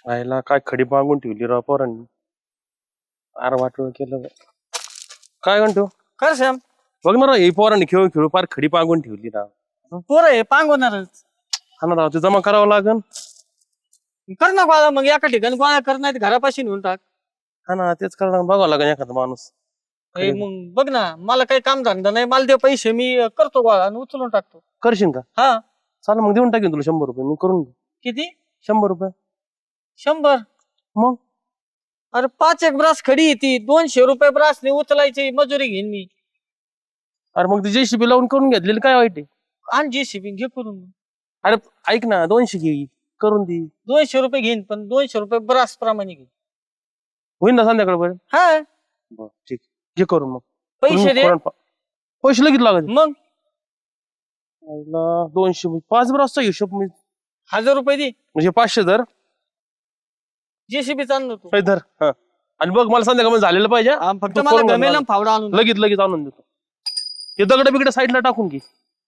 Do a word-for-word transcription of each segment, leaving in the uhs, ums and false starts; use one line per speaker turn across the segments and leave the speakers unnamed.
आईला काय खडी मागून ठेवली राव पोरांनी. फार वाटोळ केलं बा. काय म्हणतो
कर श्याम.
बघ ना राव, ही पोरांनी खेळून खेळू फार खडी मागून ठेवली राव.
पोरं आहे पांगवणारच.
हा ना राव, ते जमा करावं लागन.
कर ना गोळा मग एका ठिकाणी गोळा कर, नाही घरापाशी नेऊन टाक.
हा ना, तेच करणं बघावं लागन एखादा माणूस.
ए, मग बघ ना, मला काही काम धंदा नाही, मला दे पैसे, मी करतो गोळा आणि उचलून टाकतो.
करशील का?
हा
चाल मग देऊन टाकेन तुला शंभर रुपये मी करून घेऊ.
किती?
शंभर रुपये.
शंभर?
मग
अरे पाच एक ब्रास खडी येते, दोनशे रुपये ब्रासने उचलायची मजुरी घेईन मी.
अरे मग ती जेसीबी लावून करून घेतलेली काय वाईट आहे?
आणि जेसीबी घे करून.
अरे ऐक ना, दोनशे घे करून दे.
दोनशे रुपये घेईन, पण दोनशे रुपये ब्रास प्रमाणे घेईन.
होईल ना संध्याकाळपर्यंत?
हा
बरं ठीक, घे करून. मग
पैसे दे.
पैसे लगेच लागत?
मग
दोनशे पाच ब्रासचा हिशोब मी
हजार रुपये दे,
म्हणजे पाचशे धर.
जेसीबी चाललो तू.
धर. हा आणि बघ मला संध्याकाळ झालेलं पाहिजे.
हा, फक्त
तू
मला
करून घाल
गमेला
मला.
फावडा आणून दे.
लगेच लगेच आणून देतो. ते दगड बिगड साईडला टाकून घे.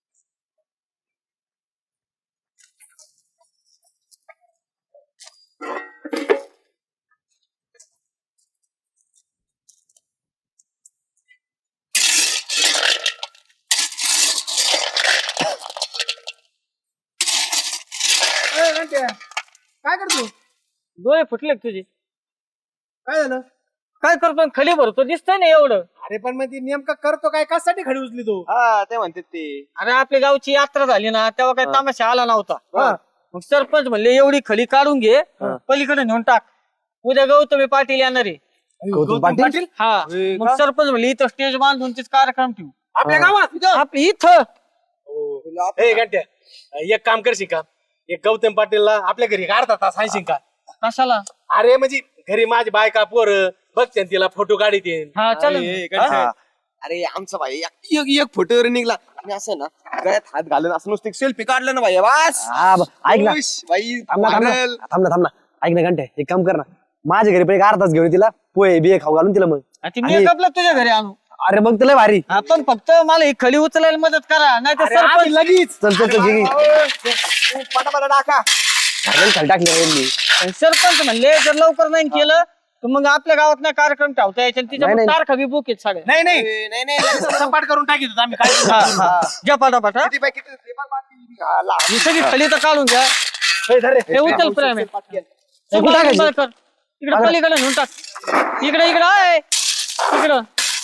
काय करतो?
डोळे फुटले का तुझे?
काय झालं?
काय करतो खली भरतो, दिसतंय ना एवढं.
अरे पण मग ती नेमका करतो काय, कशासाठी खडी उचली तू?
हा ते म्हणते ते.
अरे आपल्या गावची यात्रा झाली ना, तेव्हा काय तामाशा आला नव्हता.
हा.
मग सरपंच म्हणले एवढी खडी काढून घे, पलीकडे नेऊन टाक, उद्या गौतमी पाटील येणार आहे.
गौतम पाटील
हा मग सरपंच म्हणले इथं स्टेज बांधून तीच कार्यक्रम ठेवू
आपल्या गावात?
आपल्या इथं.
ए घंट्या, एक काम करशील का? एक गौतम पाटीलला आपल्या घरी अर्धा तास हायशील का?
कशाला?
अरे म्हणजे घरी माझी बायका पोर बघते न तिला फोटो काढते.
हा चल.
हा. अरे आमचा भाई एक एक- एक फोटोवर निघला आणि असं ना गळ्यात हात घालून असं नुसतं सेल्फी काढलं ना भाई बस.
हा ब- ऐक ना
खुश, भाई
थांब ना थांब ना
viral.
थांब ना थांब ना ऐक ना घंटे एक काम कर ना, माझ्या घरी पण एक अर्धा तास घेऊन ये तिला, पोहे बिये खाऊ घालून तिला. मग
ती मेकअपला तुझ्या घरी आणू.
अरे मग तुला भारी.
आपण फक्त मला ही खडी उचलायला मदत करा, नाही तर
अरे आम्ही
सरपंच
लगेच
चल चल चल घे, घे.
तू पटापटा टाका.
अरे खाली टाकले रे मी.
सरपंच म्हणले जर लवकर नाही केलं तर मग आपल्या गावात नाही कार्यक्रम ठेवता यायचे, तिच्या
नाही, नाही.
तारखा बी बुक आहेत सगळ्या.
नाही नाही
ए, नाही नाही लगेच
सपाट करून टाकीत आम्ही काय.
हा, हा. घ्या पटापट हा.
किती बाई किती ते बघ बाकी. हा, ला.
ही सगळी खडी तर काढून घ्या. हे उचल प्रेम आहे.
हे कुठं टाकायची?
बरं कर. इकडे पलीकडे घेऊन टाक. इकडे इकडे आहे इकडं.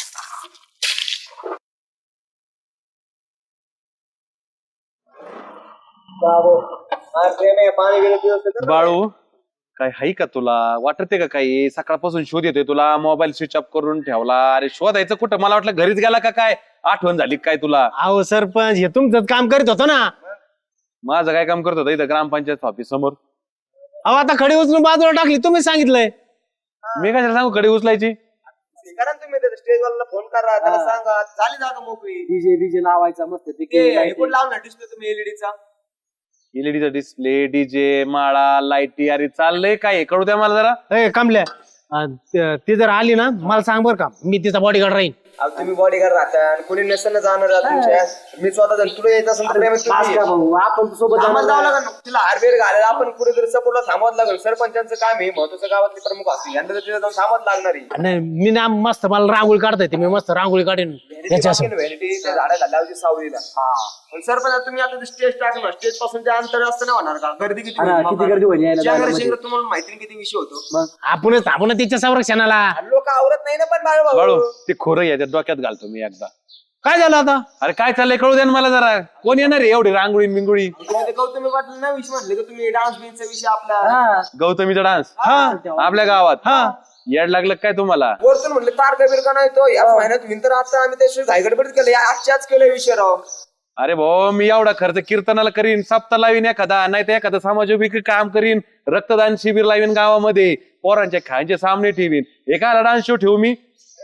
बाळू काय हाय का तुला वाटते का काही? सकाळपासून शोध येतोय तुला, मोबाईल स्विच ऑफ करून ठेवला. अरे शोधायचं कुठं? मला वाटलं घरीच गेला का काय, आठवण झाली काय तुला?
अहो सरपंच हे तुमचं काम करीत होतो ना.
माझं काय काम करत होतं इथं ग्रामपंचायत ऑफिस समोर?
अहो आता खडी उचलून बाजूला टाकली, तुम्ही सांगितलंय.
मी कशाला सांगू कडे उचलायची?
करा ना तुम्ही स्टेज वाला फोन करा, त्याला सांगा झाली जागा मोकळी.
डीजे डीजे लावायचा मस्त
हे कोण लावणार डिस्प्ले तुम्ही एलईडीचा?
एलईडीचा डिस्प्ले, डीजे, माळा, लाईटी, अरे चाललंय काय? कळू द्या मला जरा.
ए कमल्या, अं, त- ती जर आली ना मला सांग बर का, मी तिचा बॉडीगार्ड राहीन.
अहो, तुम्ही बॉडीगार्ड राहता आणि कोणी नसेल ना जाणार आहे तुमच्या. मी स्वतः जर तुला यायचं असेल तर प्रेमात तुम्ही ये.
आपण सोबत
आम्हाला जावं लागेल ना. तिला हार्डवेअर घालायला आपण पुढे जर सपोर्टला थांबवत लागेल. सरपंचांचं काम आहे, महत्वाचं गावातले प्रमुख असतील यांना जर तिथे जाऊन थांबवत लागणार आहे.
नाही मी ना मस्त मला रांगोळी काढता येते, मी मस्त रांगोळी काढेन याच्या समोर.
व्हॅनिटी त्या झाडा लावची सावलीला. पण सरपंच तुम्ही आता स्टेज टाकणार, स्टेज पासून ते अंतर असतं नाही होणार का? गर्दी किती होईल?
किती गर्दी होईल यायला जायला
शहर-
मध्ये.
शहरात तुम्हाला माहिती नाही किती विषय होतो.
आपणच थांबू ना तिच्या संरक्षणाला.
लोक आवरत नाही ना पण बाळ
बाळू
भाऊ.
ते खोरं याच्यात डोक्यात घालतो मी एकदा.
काय झालं आता?
अरे काय चाललंय कळू द्या ना मला जरा. कोण येणार आहे एवढी रांगोळी बिंगोळी?
तुम्ही ते गौतमी पाटील ना विषय म्हटले का तुम्ही डान्स बिन्सचा विषय आपला.
गौतमीचा डान्स
हा
आपल्या गावात?
हा
येड लागलं काय तुम्हाला?
वरतून म्हणले तारका बिरका नाही तो या महिन्यात विंतर आता आम्ही त्याशिवाय घाईगडबडीत केलं. या आजच्याच केलं विषय राव.
अरे भाऊ मी एवढा खर्च कीर्तनाला करीन, सप्ताह लावीन एखादा, नाही तर एखादं समाजोपयोगी काम करीन, रक्तदान शिबिर लावीन गावामध्ये, पोरांच्या खायचे सामने ठेवीन. एका डान्स शो ठेवू मी?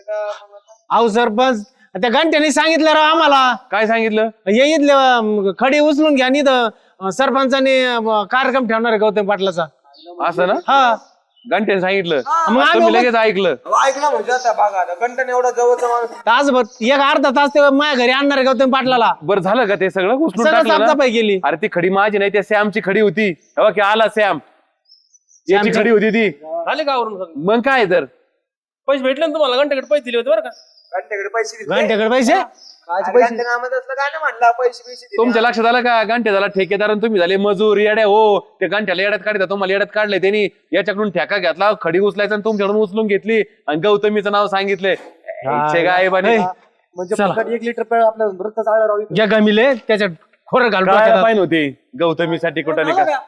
अहो सरपंच त्या घंट्याने सांगितलं राव आम्हाला.
काय सांगितलं?
ये इथले खडी उचलून घ्या नि सरपंचाने अं, कार्यक्रम ठेवणार आहे गौतम पाटलाचा.
असं ना?
हा
घंट्याने सांगितलं,
मग आम्ही
तुम्ही लगेच ऐकलं.
अहो, ऐकलं म्हणजे आता बघा आता कंटन एवढा जवळचा माणूस.
तासभर एक अर्धा तास ते माझ्या घरी आणणार आहे गौतम पाटलाला.
बरं झालं का ते सगळं उचलून
सगळं
टाकलं ना?
साफसफाई केली.
अरे ती खडी माझी नाही, त्या सॅमची खडी होती. तेव्हा की आला सॅम. याची खडी होती ती
आले गावावरून सगळे.
मग काय तर
पैसे भेटले ना तुम्हाला घंट्याकडे पैसे दिले होते बरं का
घंट्याकडे पैसे दिले.
घंट्याकडे पैसे
अरे घंटे नामात असलं गाणं म्हणला पैसे पैसे दिले.
तुमच्या लक्षात आलं का गांठ्या झाला ठेकेदार आणि तुम्ही झाले मजूर येड्या हो ते गांठ्याला येड्यात काढता तुम्हाला येड्यात काढले त्यांनी याच्याकडून ठेका घेतला खडी उचलायचा आणि तुमच्याकडून उचलून घेतली आणि गौतमीचं नाव सांगितलंय इच्छे काय बने
म्हणजे फक्त एक लिटर पे आपल्या रक्त चाळलं राहू
ज्या गमिले त्याच्यात खोरं घालून
काय
टाकतात.
पाहिजे होती गौतमीसाठी कुठं नाही का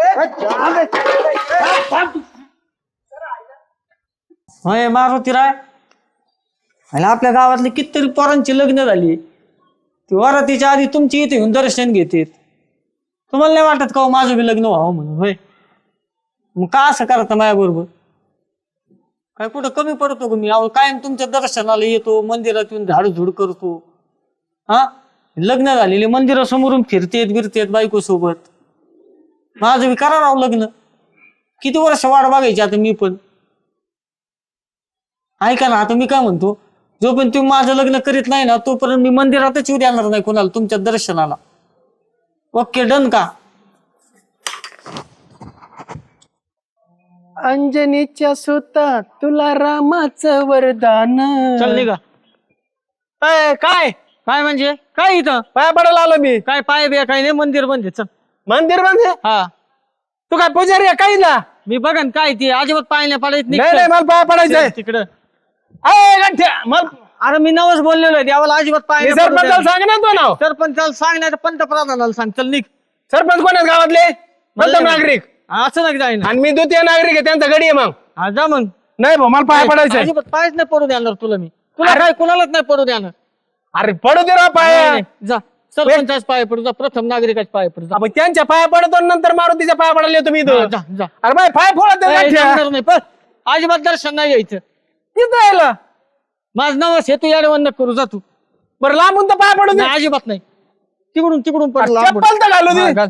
होय मारुती राय आणि आपल्या गावातली कितीतरी पोरांची लग्न झाली ती वरातीच्या आधी तुमची इथे येऊन दर्शन घेतात तुम्हाला नाही वाटत का हो माझं बी लग्न व्हावं म्हणून होय मग का असं करता माझ्या बरोबर काय कुठं कमी पडतो का मी अहो कायम तुमच्या दर्शनाला येतो मंदिरात येऊन झाडझुड करतो हा लग्न झालेले मंदिरासमोरून फिरतेत बिरतेत बायको सोबत माझं बी करा राव लग्न किती वर्ष वाट बघायची आता मी पण ऐका ना आता मी काय म्हणतो जोपर्यंत तुम्ही माझं लग्न करीत नाही ना तोपर्यंत मी मंदिरातच येऊ देणार नाही कोणाला तुमच्या दर्शनाला ओके डन का
अंजनीच्या सुता तुला रामाचं वरदान
चल निघा
ए, काय
काय म्हणजे काय इथं
पाया पडायला आलो मी
काय पाय बे काय नाही मंदिर बंद आहे, चल
मंदिर बंद आहे?
हा
तू काय पुजारी आहे काही ना
मी बघन काय ती अजिबात पाय नाही पडायच
नाही नाही मला पाया पडायचंय
तिकडं
अय, गंठ्या, मग
अरे मी नवस बोललेलो आहे देवाला अजिबात पाय नाही पडू
सरपंचाला
द्यायला.
सांग ना तो नाव
सरपंचाला सांग नाही तर पंतप्रधानाला सांग चल निघ
सरपंच कोण आहेत गावातले प्रथम नागरिक
असं नाही जाईन
आणि मी द्वितीय नागरिक आहे त्यांचा गडी आहे मग
हा जा मग
नाही भाऊ मला पाया पडायचंय
अजिबात पायच नाही पडू देणार तुला मी तुला काय कुणालाच नाही पडू देणार
अरे पडू दे राव पाया
नाही, नाही, जा सरपंचाच पाय पडू जा प्रथम नागरिकाच पाय पडू जा
आपण त्यांच्या पाया पडतो आणि नंतर मारुतीच्या पाया पडायला येतो मी
हा,
इथं
जा जा
अरे बाय पाय फोडत
ए, जाणार नाही पण अजिबात दर्शन नाही यायचं
तिथं यायला
माझं नवस हे तू याडवण नको करू जा तू
बरं लांबून तर पाया पडू दे
नाही, अजिबात नाही तिकडून तिकडून पड
अरे,
लांबून.
चप्पल तर घालू दे.
हा, घाल.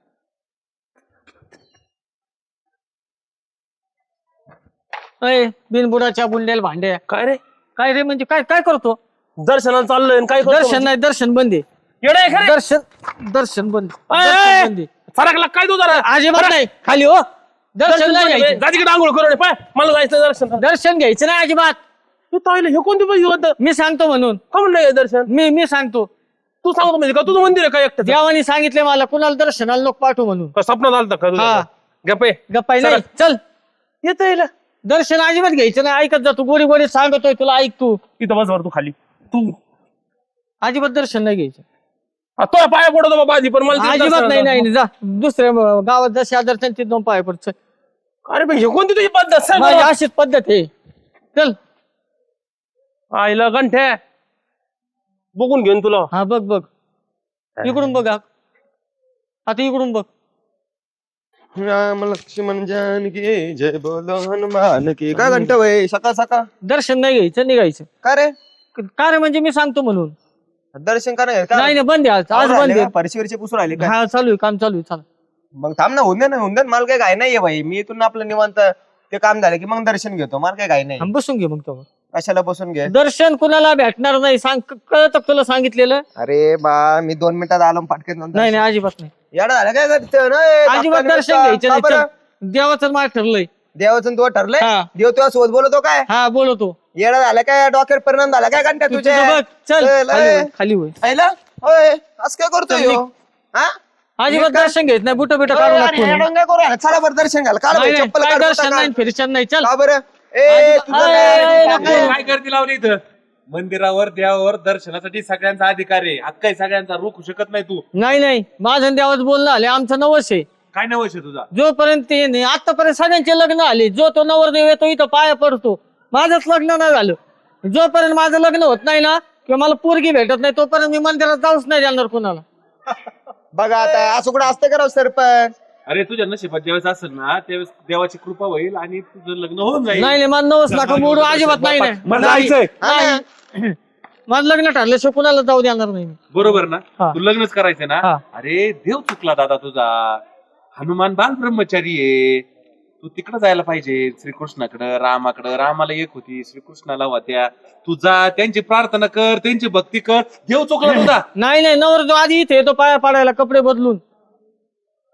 अय बिनबुडाच्या बुंडेल भांड्या
काय रे
काय रे म्हणजे काय काय करतो
दर्शनाला चाललोय आणि काय करतो
दर्शन नाही दर्शन बंद आहे
येडा आहे का रे?
दर्शन दर्शन बंद
अय,
दर्शन
अय,
बंद आहे.
फरकला काय तू जरा
अजिबात नाही खाली हो दर्शन नाही घ्यायचं.
जा तिकडे आंघोळ करून ये, पाय मला जायचं दर्शन
दर्शन घ्यायचं नाही अजिबात
तू ताईला हे कोणती पाहिजे होतं
मी सांगतो म्हणून
का म्हणलं हे दर्शन
मी मी सांगतो
तू सांगतो म्हणजे का तुझं मंदिर आहे का एकटं
देवानी सांगितले मला कुणाला दर्शनाला नको पाठवू म्हणून
का स्वप्नात आलता का तुझ्या?
हा.
गप्पे
गप्पाय नाही चल
येत येईल
दर्शन अजिबात घ्यायचं नाही ऐकत जा तू गोडी गोडी सांगतोय तुला ऐक तू
इथं बस वर तू खाली तू
अजिबात दर्शन नाही घ्यायचं
हा, तो पाया पडतो बाबा आधी पण मला ते
अजिबात
दर्शनाला
नाही नाही
जा.
जा दुसऱ्या अं, गावात जसे आदर्शन तिथे दोन पाय पडत
अरे भाई हे कोणती तुझी पद्धत सांग
माझी
मला.
अशीच पद्धत आहे चल
आईला गंठ्या बघून घेऊन तुला
हा बघ बघ इकडून बघ हा. आता इकडून बघ
राम लक्ष्मण जानकी जय बोलो हनुमान की काय घंटा वय सकाळ सकाळ
दर्शन नाही घ्यायचं निघायचं
का रे
का रे म्हणजे मी सांगतो म्हणून
दर्शन का नाही
नाही नाही बंद आहे आज आज बंद आहे
परिशीवरचे पुसून राहिले का
हा चालू आहे काम चालू आहे चालू
मग थांब ना होऊन दे ना होऊन दे ना. मला काय घाई नाहीये भाई मी इथून आपलं निवांत ते काम झालं की मग दर्शन घेतो मला काय घाई नाही
हा, बसून घे मग तो
कशाला बसून घे
दर्शन कुणाला भेटणार नाही सांग कळत तुला सांगितलेलं
अरे बा मी दोन मिनिटात आलो पटकन
नाही नाही अजिबात नाही
येडा झालं काय करतं ना, ए,
अजिबात
धक्का
दर्शन
बिक्का.
घ्यायचं
का
नाही
बरं?
चल. देवाचं मार ठरलंय
देवाचं तो ठरलंय
हा.
देव तुझ्या सोबत बोलतो काय
हा बोलतो
येडा झालं काय डोक्यावर परिणाम झाला काय घंटा
तू
तुझ्या
तिथं बघ चल
चल,
खाली
ए.
होय, खाली होय
आईला होय असं काय करतोय ह्यो? हा
अजिबात दर्शन घ्यायचं नाही बुट बिट काढू
अरे,
लागतो
हे डोंगर करू राहिला. चला बरं दर्शन घ्यायला काल
नाही,
भाई
नाही,
चप्पल
काय
काढ,
दर्शन
कुठं
नाही
काढ.
फिरशन नाही चल
का बरं ए तुझं
अरे,
काय?
नको.
काय करते लावली इथं मंदिरावर देवावर दर्शनासाठी सगळ्यांचा अधिकार आहे हक्क आहे सगळ्यांचा रोखू शकत नाही तू
नाही नाही माझं देवाच बोलणं आले आमचं नवस आहे
काय नवश आहे तुझा
जोपर्यंत ते नाही आतापर्यंत सगळ्यांचे लग्न आले जो तो नवरदेव येतो इथं पाया पडतो माझंच लग्न नाही झालं जोपर्यंत माझं लग्न होत नाही ना किंवा मला पोरगी भेटत नाही तोपर्यंत मी मंदिरात जाऊच नाही जाणार कोणाला
बघा आता असं कुठं असतं का सरपंच
अरे तुझ्या नशिबात ज्यावेळेस असेल ना त्यावेळेस देवाची कृपा होईल आणि तुझं लग्न होऊन जाईल
नाही नाही मला नवस नका मोडू अजिबात नाही नाही.
मला जायचंय
नाही. माझं लग्न ठरल्याशिवाय कुणाला जाऊ देणार नाही मी.
बरोबर ना
हा.
तू लग्नच करायचंय ना
हा.
अरे देव चुकला दादा तुझा हनुमान बाल ब्रह्मचारी आहे तू तिकडे जायला पाहिजे श्रीकृष्णाकडं रामाकडं रामाला एक होती श्रीकृष्णाला होत्या तू जा त्यांची प्रार्थना कर त्यांची भक्ती कर देव चुकला तुझा
नाही नाही नवरदेव आधी इथे येतो पाया पाडायला कपडे बदलून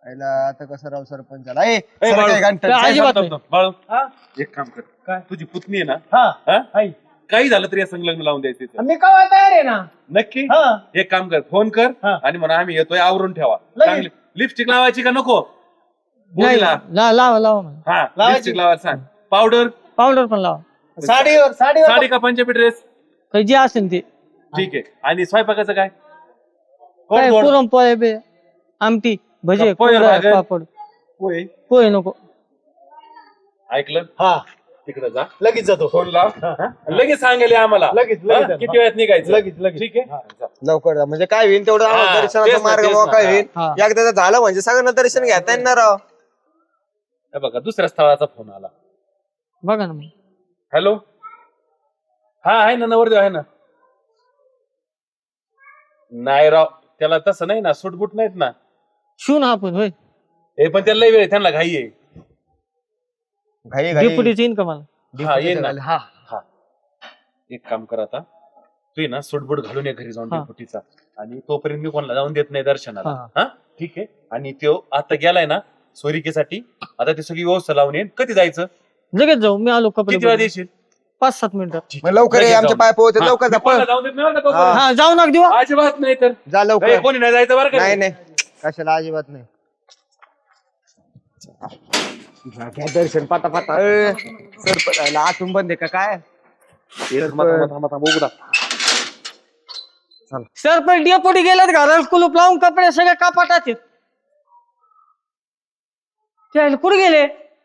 आता कसं राव सरपंच झाला ए,
ए,
सर
बाळू.
काय घंटा-
काय अजिबात
थांब,
नाही.
थांब, बाळू एक काम कर
काय?
तुझी पुतणी आहे ना
हा
हा?
हाय.
काही झालं तरी या संलग्न लावून द्यायचं तिचं.
मी कवा तयार आहे ना.
नक्की
हा
एक काम कर फोन कर
हा.
आणि म्हणा आम्ही येतोय आवरून ठेवा
लगेच.
चांगली लिपस्टिक लावायची का नको
नाही
मुलीला?
ला- लावा लावा म्हणा.
हा
लावायची.
लिपस्टिक लावायचं सांग पावडर
पावडर पण लावा
साडीवर साडीवर
साडी का पंजाबी ड्रेस
काही जे असेल ते
ठीक आहे आणि स्वयंपाकाचं काय
काय
गोड गोड.
पुरणपोळी बे आमटी भजे
पोहे
कुरडया,
भाकर.
पापड
होय
पोहे नको
ऐकलं
हा
तिकडे जा
लगेच जातो.
फोन लाव हा? लगेच सांगेल आम्हाला
लगेच, लगेच.
हा? किती वेळात निघायचं
लगेच, लगेच.
ठीक आहे जा.
लवकर जा. म्हणजे काय होईल तेवढं आम्हाला
हा,
दर्शनाचा
तेच ना,
मार्ग
तेच
मोकळा
ना.
होईल
हा.
एकदा झालं म्हणजे सगळ्यांना दर्शन घेता येणार राव.
हे बघा दुसऱ्या स्थळाचा फोन आला
बघा ना मग
हॅलो हा आहे ना नवरदेव आहे ना नाही राव त्याला तसं नाही ना सुटबुट नाहीत ना
शिव ना आपण होय
हे पण त्याला लय वेळ आहे, त्यांना घाई आहे
घाई घाई
डेपुटीच येईन का मला
हा येईन ना
हा
हा एक काम कर आता तू ये ना सुटबुट घालून ये घरी जाऊन
हा.
डेपुटीचा आणि तोपर्यंत मी कोणाला जाऊन देत नाही दर्शनाला
हा.
हा ठीक आहे आणि तो आता गेलाय ना सोरिकेसाठी आता ती सगळी व्यवस्था लावून येईन कधी जायचं
लगेच जाऊ मी आलो कपडे
किती वेळा
बदलून.
देशील
पाच सात मिनिटं
मग लवकर ये
लगेच
आमच्या
जाऊन.
पाय पोहोचते
हा.
लवकर जा
मी कोणाला जाऊन देत नाही बरं का तोपर्यंत.
हा जाऊ नका देऊ हा.
अजिबात नाही तर
जा
ए,
लवकर
कोणी नाही जायचं बरं का
नाही नाही कशाला अजिबात नाही घ्या, घ्या दर्शन पाटा पाटा ए, सरपंच आतून बंद आहे का काय
थांबा, थांबा, थांबा, थांबा, उघडा.
सरपंच डेपुटी गेलेत घराला कुलूप लावून कपडे सगळे कापाटात आहेत. ते कुठे गेले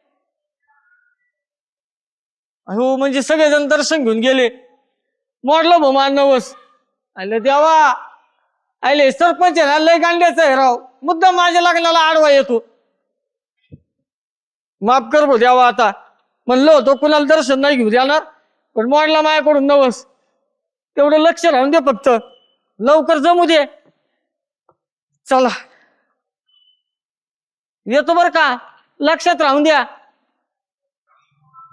हो म्हणजे सगळेजण दर्शन घेऊन गेले मोडलं भाऊ मान नवस आले देवा आले सरपंच आहे ना लय गांड्याचं आहे राव मुद्दा माझ्या लग्नाला आडवा येतो माफ कर भाऊ देवा आता म्हणलं होतं कुणाला दर्शन नाही घेऊ देणार पण मोडला माझ्याकडून नवस तेवढं लक्ष राहून दे फक्त लवकर जमू दे चला येतो बर का लक्षात राहून द्या